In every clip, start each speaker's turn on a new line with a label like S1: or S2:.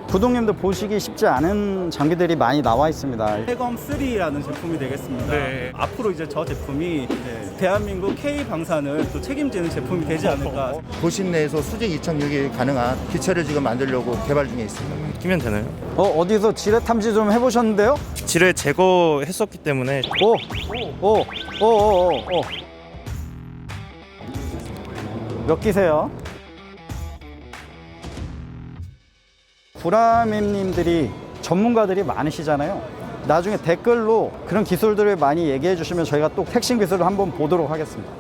S1: 구독님들 보시기 쉽지 않은 장비들이 많이 나와 있습니다.
S2: 해검 3라는 제품이 되겠습니다.
S3: 네.
S2: 앞으로 이제 저 제품이 대한민국 K 방산을 또 책임지는 제품이 되지 않을까.
S4: 도심 내에서 수직 이착륙이 가능한 기체를 지금 만들려고 개발 중에 있습니다.
S3: 끼면 되나요?
S1: 어디서 지뢰 탐지 좀 해보셨는데요?
S3: 지뢰 제거했었기 때문에
S1: 오. 몇 기세요? 구라맵님들이 전문가들이 많으시잖아요. 나중에 댓글로 그런 기술들을 많이 얘기해 주시면 저희가 또 핵심 기술을 한번 보도록 하겠습니다.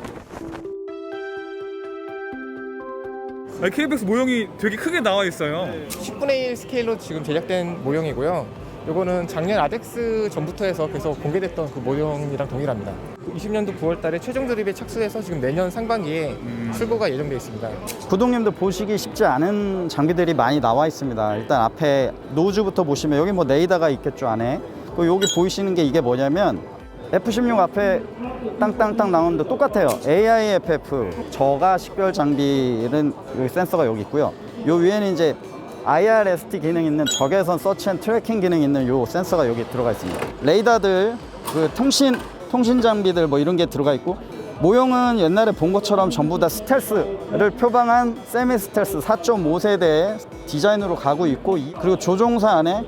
S5: KBX 모형이 되게 크게 나와 있어요.
S6: 10분의 1 스케일로 지금 제작된 모형이고요. 이거는 작년 아덱스 전부터 해서 계속 공개됐던 그 모형이랑 동일합니다. 20년도 9월 달에 최종 조립에 착수해서 지금 내년 상반기에 출고가 예정되어 있습니다.
S1: 구독님들 보시기 쉽지 않은 장비들이 많이 나와 있습니다. 일단 앞에 노즈부터 보시면 여기 뭐 레이더가 있겠죠, 안에. 그리고 여기 보이시는 게 이게 뭐냐면 F16 앞에 땅땅땅 나오는데 똑같아요. AIFF 저가 식별 장비는 여기 센서가 여기 있고요. 요 위에는 이제 IRST 기능 있는 적외선 서치 앤 트래킹 기능 있는 요 센서가 여기 들어가 있습니다. 레이더들, 그 통신 장비들 뭐 이런 게 들어가 있고, 모형은 옛날에 본 것처럼 전부 다 스텔스를 표방한 세미 스텔스 4.5세대의 디자인으로 가고 있고, 그리고 조종사 안에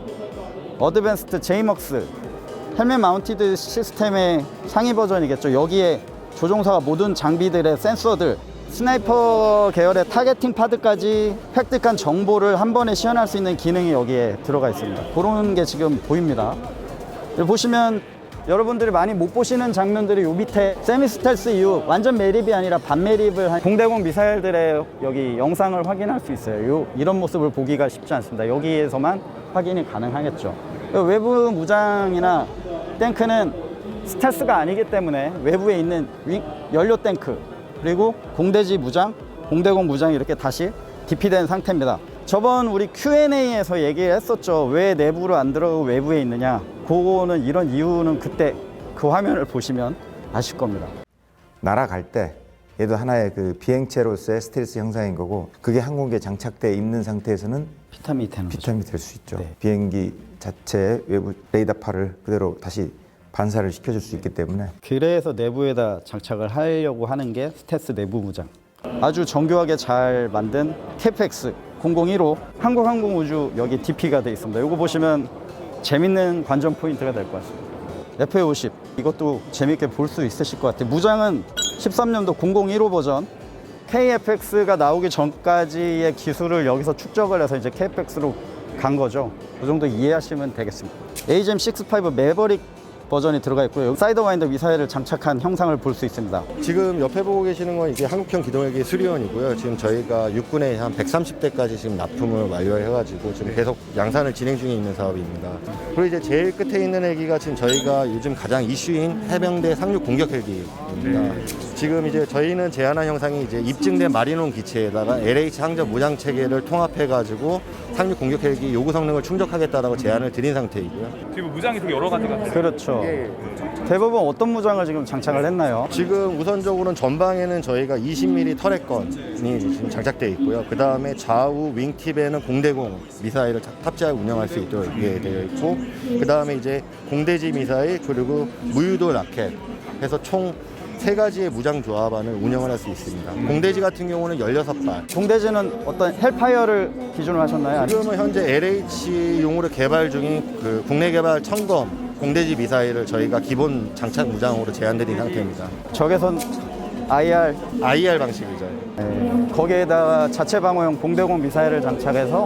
S1: 어드밴스드 제이먹스 헬멧 마운티드 시스템의 상위 버전이겠죠. 여기에 조종사가 모든 장비들의 센서들, 스나이퍼 계열의 타겟팅 파드까지 획득한 정보를 한 번에 시연할 수 있는 기능이 여기에 들어가 있습니다. 그런 게 지금 보입니다. 여기 보시면 여러분들이 많이 못 보시는 장면들이 요 밑에 세미 스텔스 이후 완전 매립이 아니라 반 매립을 한 공대공 미사일들의 여기 영상을 확인할 수 있어요. 이런 모습을 보기가 쉽지 않습니다. 여기에서만 확인이 가능하겠죠. 외부 무장이나 탱크는 스텔스가 아니기 때문에 외부에 있는 연료 탱크, 그리고 공대지 무장, 공대공 무장이 이렇게 다시 디피된 상태입니다. 저번 우리 Q&A에서 얘기를 했었죠. 왜 내부로 안 들어가고 외부에 있느냐. 그거는 이런 이유는 그때 그 화면을 보시면 아실 겁니다.
S7: 날아갈 때 얘도 하나의 그 비행체로서의 스텔스 형상인 거고, 그게 항공기에 장착돼 있는 상태에서는
S1: 피탐이 되는 거죠.
S7: 피탐이 될 수 있죠.
S1: 네.
S7: 비행기 자체의 외부 레이더파를 그대로 다시 반사를 시켜줄 수 있기 때문에.
S1: 그래서 내부에다 장착을 하려고 하는 게 스텔스 내부 무장. 아주 정교하게 잘 만든 KPX 001호 한국항공우주 여기 DP가 되어 있습니다. 이거 보시면 재밌는 관전 포인트가 될 것 같습니다. FA50 이것도 재밌게 볼 수 있으실 것 같아요. 무장은 13년도 001호 버전 KFX가 나오기 전까지의 기술을 여기서 축적을 해서 이제 KFX로 간 거죠. 그 정도 이해하시면 되겠습니다. AGM-65 매버릭 버전이 들어가 있고요. 여기 사이더와인더 미사일을 장착한 형상을 볼 수 있습니다.
S4: 지금 옆에 보고 계시는 건 이제 한국형 기동헬기 수리원이고요. 지금 저희가 육군에 한 130대까지 지금 납품을 완료해가지고 지금 계속 양산을 진행 중에 있는 사업입니다. 그리고 이제 제일 끝에 있는 헬기가 지금 저희가 요즘 가장 이슈인 해병대 상륙 공격 헬기입니다. 지금 이제 저희는 제안한 형상이 이제 입증된 마리논 기체에다가 LH 항저 무장 체계를 통합해가지고 상륙 공격 헬기 요구 성능을 충족하겠다라고 제안을 드린 상태이고요.
S5: 지금 무장이 되게 여러 가지가 있어요.
S1: 그렇죠. 대부분 어떤 무장을 지금 장착을 했나요?
S4: 지금 우선적으로는 전방에는 저희가 20mm 터렛건이 지금 장착되어 있고요. 그 다음에 좌우 윙팁에는 공대공 미사일을 탑재하고 운영할 수 있도록 되어 있고, 그 다음에 이제 공대지 미사일 그리고 무유도 라켓 해서 총 3가지의 무장 조합안을 운영을 할 수 있습니다. 공대지 같은 경우는 16발.
S1: 공대지는 어떤 헬파이어를 기준으로 하셨나요? 아니면
S4: 지금은 현재 LH용으로 개발 중인 그 국내 개발 청검 공대지 미사일을 저희가 기본 장착 무장으로 제안드린 상태입니다.
S1: 적외선 IR
S4: 방식이죠.
S1: 거기에다가 자체 방어용 공대공 미사일을 장착해서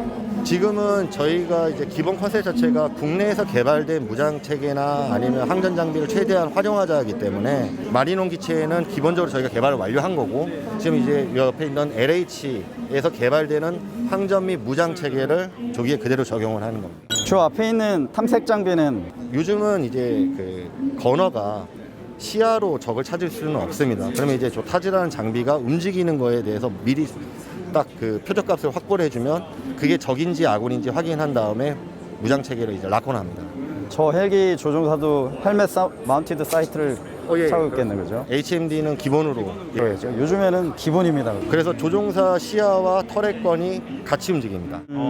S4: 지금은 저희가 이제 기본 컨셉 자체가 국내에서 개발된 무장 체계나 아니면 항전 장비를 최대한 활용하자 하기 때문에 마리논 기체는 기본적으로 저희가 개발을 완료한 거고, 지금 이제 옆에 있는 LH에서 개발되는 항전 및 무장 체계를 조기에 그대로 적용을 하는 겁니다.
S1: 저 앞에 있는 탐색 장비는
S4: 요즘은 이제 그 건어가 시야로 적을 찾을 수는 없습니다. 그러면 이제 저 타지라는 장비가 움직이는 거에 대해서 미리 딱 그 표적값을 확보를 해주면 그게 적인지 아군인지 확인한 다음에 무장 체계를 이제 락온합니다.
S1: 저 헬기 조종사도 헬멧 마운티드 사이트를 차고 있겠네, 그죠?
S4: HMD는 기본으로
S1: 그렇죠. 요즘에는 기본입니다.
S4: 그래서 조종사 시야와 터렛건이 같이 움직입니다.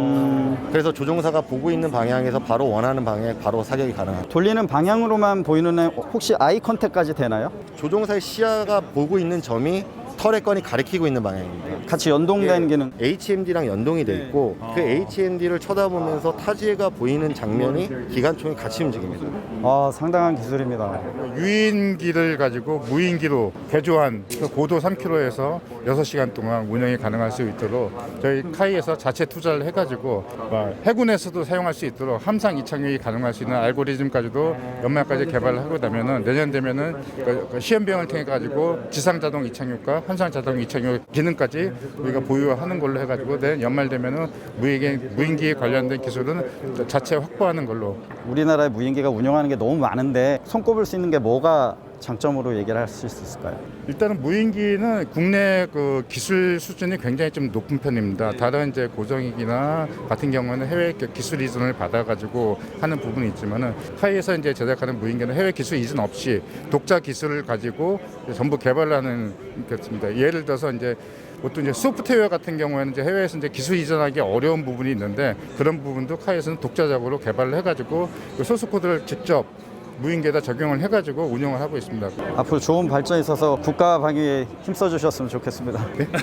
S4: 그래서 조종사가 보고 있는 방향에서 바로 원하는 방향에 바로 사격이 가능합니다.
S1: 돌리는 방향으로만 보이는 애 혹시 아이 컨택까지 되나요?
S4: 조종사의 시야가 보고 있는 점이 터렛건이 가리키고 있는 방향입니다.
S1: 같이 연동된 기능.
S4: HMD랑 연동이 돼 있고 그 HMD를 쳐다보면서 타지가 보이는 장면이 기관총이 같이 움직입니다.
S1: 상당한 기술입니다.
S8: 유인기를 가지고 무인기로 개조한 그 고도 3km에서 6시간 동안 운영이 가능할 수 있도록 저희 카이에서 자체 투자를 해가지고 해군에서도 사용할 수 있도록 함상 이착륙이 가능할 수 있는 알고리즘까지도 연말까지 개발을 하고 나면은 내년 되면은 그 시험 비용을 통해 가지고 지상 자동 이착륙과 함상 자동 이착륙 기능까지 우리가 보유하는 걸로 해가지고 내년 연말 되면은 무인기에 관련된 기술은 자체 확보하는 걸로.
S1: 우리나라의 무인기가 운영하는 게 너무 많은데 손꼽을 수 있는 게 뭐가 장점으로 얘기를 할 수 있을까요?
S8: 일단은 무인기는 국내 그 기술 수준이 굉장히 좀 높은 편입니다. 다른 이제 고정익이나 같은 경우는 해외 기술 이전을 받아가지고 하는 부분이 있지만은 타이에서 이제 제작하는 무인기는 해외 기술 이전 없이 독자 기술을 가지고 전부 개발하는 것입니다. 예를 들어서 이제 보통 이제 소프트웨어 같은 경우에는 이제 해외에서 이제 기술 이전하기 어려운 부분이 있는데 그런 부분도 카이에서는 독자적으로 개발을 해가지고 그 소스 코드를 직접 무인기에다 적용을 해가지고 운영을 하고 있습니다.
S1: 앞으로 좋은 발전이 있어서 국가 방위에 힘써 주셨으면 좋겠습니다.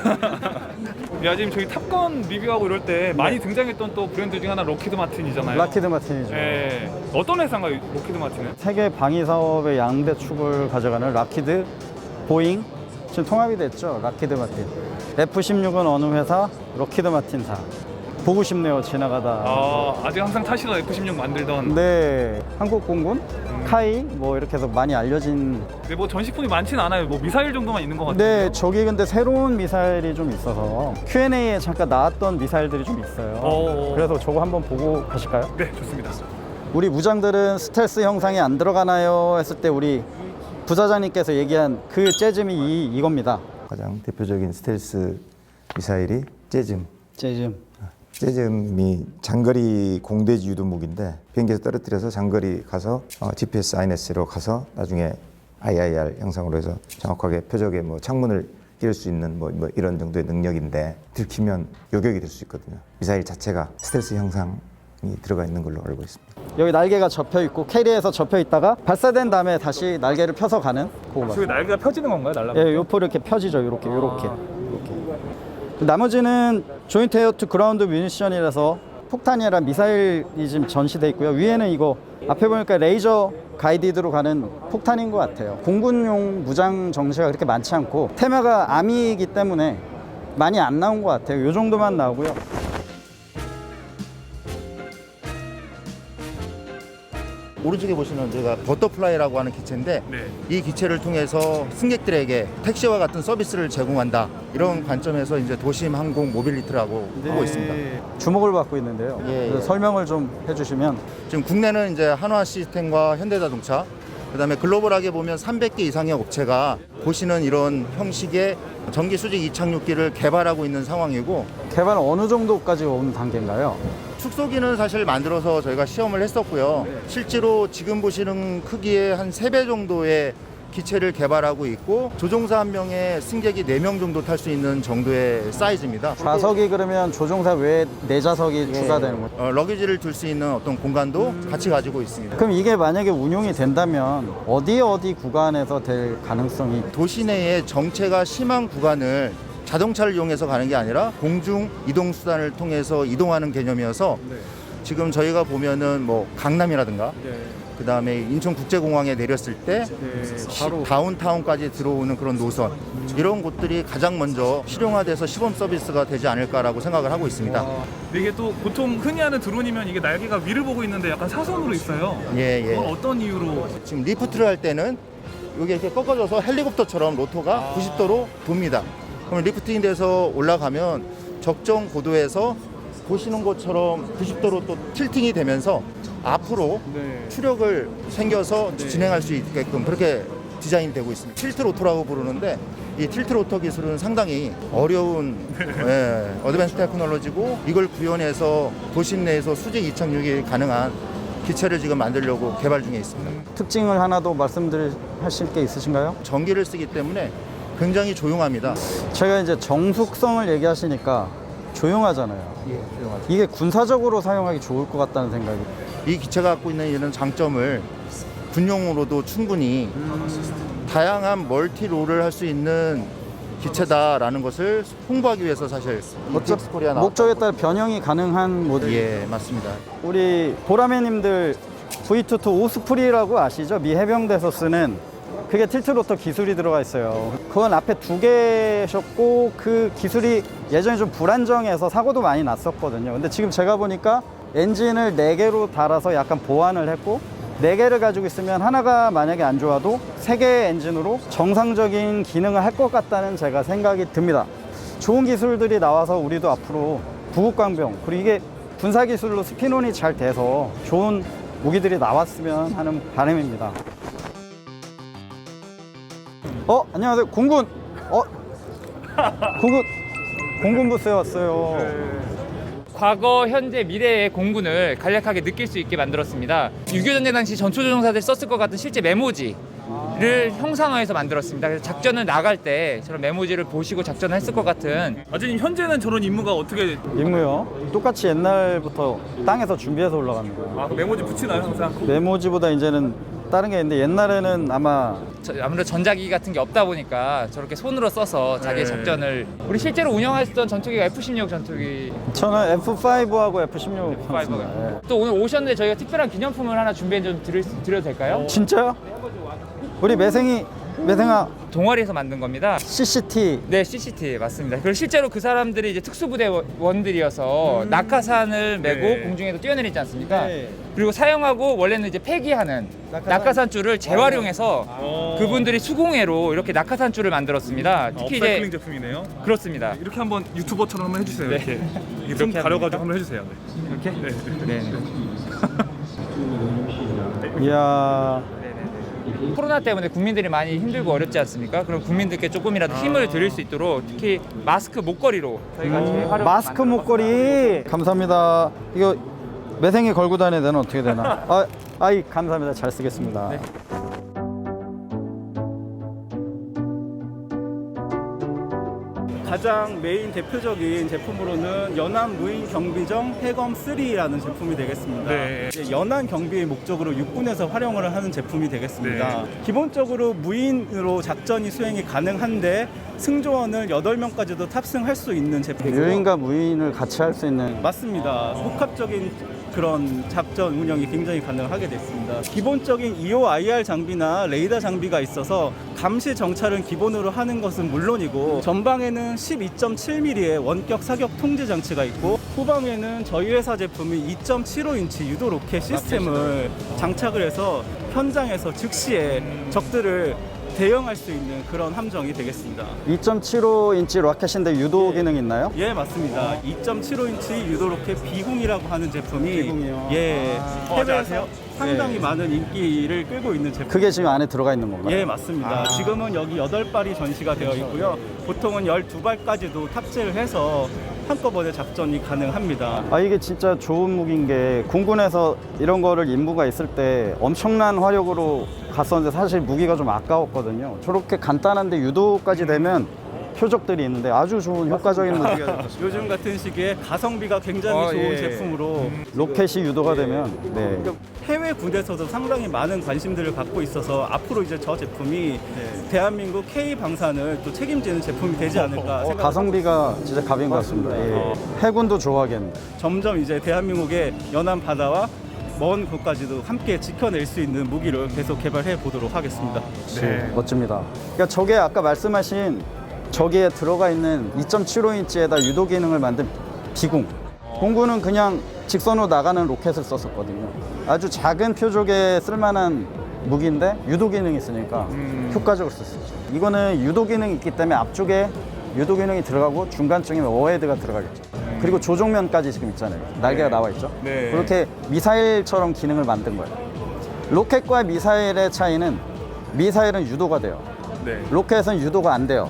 S5: 야, 지금 저희 탑건 리뷰하고 이럴 때 많이 등장했던 또 브랜드 중 하나 로키드 마틴이잖아요.
S1: 락히드 마틴이죠.
S5: 예. 어떤 회사인가요, 로키드 마틴은?
S1: 세계 방위 사업의 양대 축을 가져가는 락히드, 보잉, 지금 통합이 됐죠. 락히드 마틴. F-16은 어느 회사? 로키드 마틴사. 보고 싶네요. 지나가다.
S5: 아직 항상 타시던 F-16 만들던.
S1: 네, 한국 공군, 카이 뭐 이렇게 해서 많이 알려진.
S5: 근데 뭐 전시품이 많지는 않아요. 뭐 미사일 정도만 있는 것 같아요.
S1: 네, 저기 근데 새로운 미사일이 좀 있어서 Q&A에 잠깐 나왔던 미사일들이 좀 있어요. 그래서 저거 한번 보고 가실까요?
S5: 네, 좋습니다.
S1: 우리 무장들은 스텔스 형상이 안 들어가나요? 했을 때 우리 부사장님께서 얘기한 그 재즘이 이겁니다.
S7: 가장 대표적인 스텔스 미사일이 재즘.
S1: 재즘.
S7: 재즘이 장거리 공대지 유도 무기인데 비행기에서 떨어뜨려서 장거리 가서 GPS INS로 가서 나중에 IIR 형상으로 해서 정확하게 표적에 뭐 창문을 띄울 수 있는 뭐 이런 정도의 능력인데 들키면 요격이 될 수 있거든요. 미사일 자체가 스텔스 형상이 들어가 있는 걸로 알고 있습니다.
S1: 여기 날개가 접혀 있고 캐리에서 접혀 있다가 발사된 다음에 다시 날개를 펴서 가는 그거.
S5: 저기 날개가 펴지는 건가요, 날라가?
S1: 예, 요포 이렇게 펴지죠. 요렇게. 나머지는 조인트 에어 투 그라운드 뮤니션이라서 폭탄이 아니라 미사일이 지금 전시돼 있고요. 위에는 이거 앞에 보니까 레이저 가이디드로 가는 폭탄인 것 같아요. 공군용 무장 정시가 그렇게 많지 않고 테마가 아미이기 때문에 많이 안 나온 것 같아요. 요 정도만 나오고요.
S9: 오른쪽에 보시면 저희가 버터플라이라고 하는 기체인데
S5: 네.
S9: 이 기체를 통해서 승객들에게 택시와 같은 서비스를 제공한다 이런 관점에서 이제 도심 항공 모빌리티라고 하고 있습니다.
S1: 주목을 받고 있는데요.
S9: 예,
S1: 그래서
S9: 예.
S1: 설명을 좀 해주시면.
S9: 지금 국내는 이제 한화 시스템과 현대자동차 그다음에 글로벌하게 보면 300개 이상의 업체가 보시는 이런 형식의 전기 수직 이착륙기를 개발하고 있는 상황이고
S1: 개발은 어느 정도까지 온 단계인가요?
S9: 축소기는 사실 만들어서 저희가 시험을 했었고요. 실제로 지금 보시는 크기의 한 3배 정도의 기체를 개발하고 있고 조종사 한 명에 승객이 4명 정도 탈 수 있는 정도의 사이즈입니다.
S1: 좌석이 그러면 조종사 외에 4좌석이 추가되는 거죠?
S9: 러기지를 둘 수 있는 어떤 공간도 같이 가지고 있습니다.
S1: 그럼 이게 만약에 운용이 된다면 어디 구간에서 될 가능성이?
S9: 도시 내에 정체가 심한 구간을 자동차를 이용해서 가는 게 아니라 공중 이동 수단을 통해서 이동하는 개념이어서 지금 저희가 보면은 뭐 강남이라든가 그다음에 인천국제공항에 내렸을 때 바로 다운타운까지 들어오는 그런 노선 이런 곳들이 가장 먼저 실용화돼서 시범 서비스가 되지 않을까라고 생각을 하고 있습니다.
S5: 이게 또 보통 흔히 하는 드론이면 이게 날개가 위를 보고 있는데 약간 사선으로 있어요.
S9: 예.
S5: 그건 어떤 이유로?
S9: 지금 리프트를 할 때는 이게 이렇게 꺾어져서 헬리콥터처럼 로터가 90도로 돕니다. 그러면 리프팅이 돼서 올라가면 적정 고도에서 보시는 것처럼 90도로 또 틸팅이 되면서 앞으로 추력을 생겨서 진행할 수 있게끔 그렇게 디자인이 되고 있습니다. 틸트 로터라고 부르는데 이 틸트 로터 기술은 상당히 어려운 어드밴스 테크놀로지고 이걸 구현해서 도심 내에서 수직 이착륙이 가능한 기체를 지금 만들려고 개발 중에 있습니다.
S1: 특징을 하나 더 말씀하실 게 있으신가요?
S9: 전기를 쓰기 때문에 굉장히 조용합니다.
S1: 제가 이제 정숙성을 얘기하시니까 조용하잖아요. 이게 군사적으로 사용하기 좋을 것 같다는 생각이.
S9: 이 기체가 갖고 있는 이런 장점을 군용으로도 충분히 다양한 멀티롤을 할 수 있는 기체다라는 것을 홍보하기 위해서 사실 ETX 코리아
S1: 목적에 따라 변형이 가능한 모델.
S9: 예, 맞습니다.
S1: 우리 보라매님들 V22 오스프리라고 아시죠? 미 해병대에서 쓰는 그게 틸트로터 기술이 들어가 있어요. 그건 앞에 2개셨고 그 기술이 예전에 좀 불안정해서 사고도 많이 났었거든요. 근데 지금 제가 보니까 엔진을 4개로 달아서 약간 보완을 했고 4개를 가지고 있으면 하나가 만약에 안 좋아도 3개의 엔진으로 정상적인 기능을 할 것 같다는 제가 생각이 듭니다. 좋은 기술들이 나와서 우리도 앞으로 구국강병 그리고 이게 군사기술로 스피논이 잘 돼서 좋은 무기들이 나왔으면 하는 바람입니다. 안녕하세요. 공군. 공군 부스에 왔어요.
S10: 과거, 현재, 미래의 공군을 간략하게 느낄 수 있게 만들었습니다. 6.25 전쟁 당시 전초조종사들이 썼을 것 같은 실제 메모지를 형상화해서 만들었습니다. 그래서 작전을 나갈 때 저런 메모지를 보시고 작전을 했을 것 같은.
S5: 아저님 현재는 저런 임무가 어떻게
S1: 임무요? 똑같이 옛날부터 땅에서 준비해서 올라가는 거예요.
S5: 그 메모지 붙이나요 항상?
S1: 메모지보다 이제는 다른 게 있는데 옛날에는
S10: 아무래도 전자기기 같은 게 없다 보니까 저렇게 손으로 써서 자기의 작전을. 우리 실제로 운영했던 전투기가 F-16 전투기.
S1: 저는 F5하고 F16
S10: F5가. 또 오늘 오셨는데 저희가 특별한 기념품을 하나 준비해 좀 드려도 될까요?
S1: 진짜요? 우리 매생아
S10: 동아리에서 만든 겁니다.
S1: CCT.
S10: 네, CCT 맞습니다. 그리고 실제로 그 사람들이 이제 특수부대원들이어서 낙하산을 메고 공중에도 뛰어내리지 않습니까?
S1: 네.
S10: 그리고 사용하고 원래는 이제 폐기하는 낙하산줄을 재활용해서 그분들이 수공예로 이렇게 낙하산줄을 만들었습니다. 특히
S5: 업사이클링
S10: 이제
S5: 제품이네요.
S10: 그렇습니다.
S5: 이렇게 한번 유튜버처럼 한번 해주세요.
S10: 네.
S5: 이렇게
S10: 이렇게
S5: 좀 가려가지고 한번 해주세요. 네.
S10: 이렇게?
S5: 네.
S10: 네.
S1: 이야.
S10: 코로나 때문에 국민들이 많이 힘들고 어렵지 않습니까? 그럼 국민들께 조금이라도 힘을 드릴 수 있도록 특히 마스크 목걸이로 저희가 재활용.
S1: 마스크 목걸이 감사합니다. 이거 매생이 걸고 다녀야 되나 어떻게 되나? 감사합니다. 잘 쓰겠습니다.
S10: 네.
S2: 가장 메인 대표적인 제품으로는 연안 무인 경비정 해검 3라는 제품이 되겠습니다.
S5: 네.
S2: 이제 연안 경비의 목적으로 육군에서 활용을 하는 제품이 되겠습니다. 기본적으로 무인으로 작전이 수행이 가능한데 승조원을 8명까지도 탑승할 수 있는 제품이고요.
S1: 유인과 무인을 같이 할 수 있는.
S2: 맞습니다. 복합적인 그런 작전 운영이 굉장히 가능하게 됐습니다. 기본적인 EOIR 장비나 레이더 장비가 있어서 감시 정찰은 기본으로 하는 것은 물론이고 전방에는 12.7mm의 원격 사격 통제 장치가 있고 후방에는 저희 회사 제품이 2.75인치 유도 로켓 시스템을 장착을 해서 현장에서 즉시에 적들을 대응할 수 있는 그런 함정이 되겠습니다.
S1: 2.75인치 로켓인데 유도 기능 있나요?
S2: 예, 맞습니다. 2.75인치 유도 로켓 비공이라고 하는 제품이
S1: 비공이요.
S2: 예, 해외에서 상당히
S1: 네.
S2: 많은 인기를 끌고 있는 제품.
S1: 그게 지금 안에 들어가 있는 건가요?
S2: 예, 맞습니다. 지금은 여기 8발이 전시가 되어 있고요. 보통은 12발까지도 탑재를 해서 한꺼번에 작전이 가능합니다.
S1: 이게 진짜 좋은 무기인 게 군군에서 이런 거를 임무가 있을 때 엄청난 화력으로 갔었는데 사실 무기가 좀 아까웠거든요. 저렇게 간단한데 유도까지 되면 표적들이 있는데 아주 좋은 효과적인 무기가
S2: 요즘 같은 시기에 가성비가 굉장히 좋은 제품으로
S1: 로켓이 유도가 되면 네.
S2: 해외 군대에서도 상당히 많은 관심들을 갖고 있어서 앞으로 이제 저 제품이 대한민국 K 방산을 또 책임지는 제품이 되지 않을까 생각합니다.
S1: 가성비가 진짜 갑인 것 같습니다. 예. 해군도 좋아하겠네.
S2: 점점 이제 대한민국의 연안 바다와 먼 곳까지도 함께 지켜낼 수 있는 무기를 계속 개발해 보도록 하겠습니다.
S1: 네. 멋집니다. 그러니까 저게 아까 말씀하신 저기에 들어가 있는 2.75인치에다 유도 기능을 만든 비공. 공군은 그냥 직선으로 나가는 로켓을 썼었거든요. 아주 작은 표적에 쓸만한 무기인데 유도 기능이 있으니까 효과적으로 쓸 수 있죠. 이거는 유도 기능이 있기 때문에 앞쪽에 유도 기능이 들어가고 중간쯤에 워헤드가 들어가겠죠. 그리고 조종면까지 지금 있잖아요. 날개가 나와 있죠.
S5: 네.
S1: 그렇게 미사일처럼 기능을 만든 거예요. 로켓과 미사일의 차이는 미사일은 유도가 돼요.
S5: 네.
S1: 로켓은 유도가 안 돼요.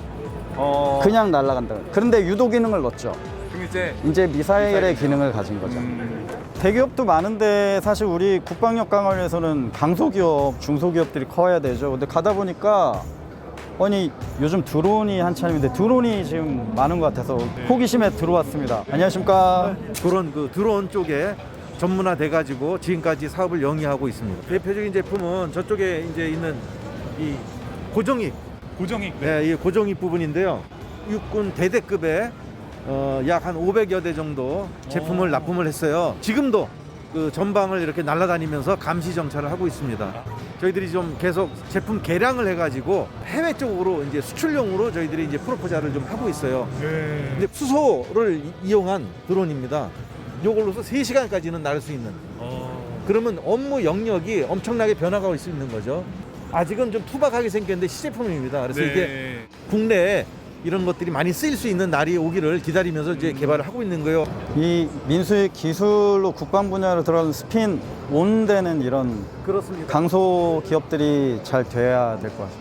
S1: 그냥 날아간다. 그런데 유도 기능을 넣었죠.
S5: 그럼
S1: 이제 미사일의 기능을 가진 거죠. 대기업도 많은데 사실 우리 국방력 강화를 위해서는 강소기업, 중소기업들이 커야 되죠. 근데 가다 보니까 아니 요즘 드론이 한참인데 드론이 지금 많은 것 같아서 호기심에 들어왔습니다. 안녕하십니까?
S11: 그런 그 드론 쪽에 전문화돼 가지고 지금까지 사업을 영위하고 있습니다. 대표적인 제품은 저쪽에 이제 있는 이 고정익, 네, 이 고정익 부분인데요. 육군 대대급의 약 한 500여 대 정도 제품을 납품을 했어요. 지금도 그 전방을 이렇게 날아다니면서 감시 정찰을 하고 있습니다. 저희들이 좀 계속 제품 개량을 해가지고 해외 쪽으로 이제 수출용으로 저희들이 이제 프로포자를 좀 하고 있어요. 근데 수소를 이용한 드론입니다. 요걸로서 3시간까지는 날 수 있는. 그러면 업무 영역이 엄청나게 변화가 올 수 있는 거죠. 아직은 좀 투박하게 생겼는데 시제품입니다. 그래서 이게 국내에 이런 것들이 많이 쓰일 수 있는 날이 오기를 기다리면서 이제 개발을 하고 있는 거예요.
S1: 이 민수의 기술로 국방 분야로 들어가는 스핀 온되는 이런
S11: 그렇습니다.
S1: 강소 기업들이 잘 돼야 될 것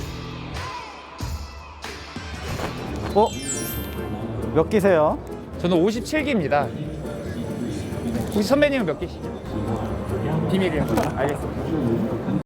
S1: 같습니다. 몇 기세요?
S10: 저는 57기입니다. 혹시 선배님은 몇 기시죠? 비밀이요. 알겠습니다.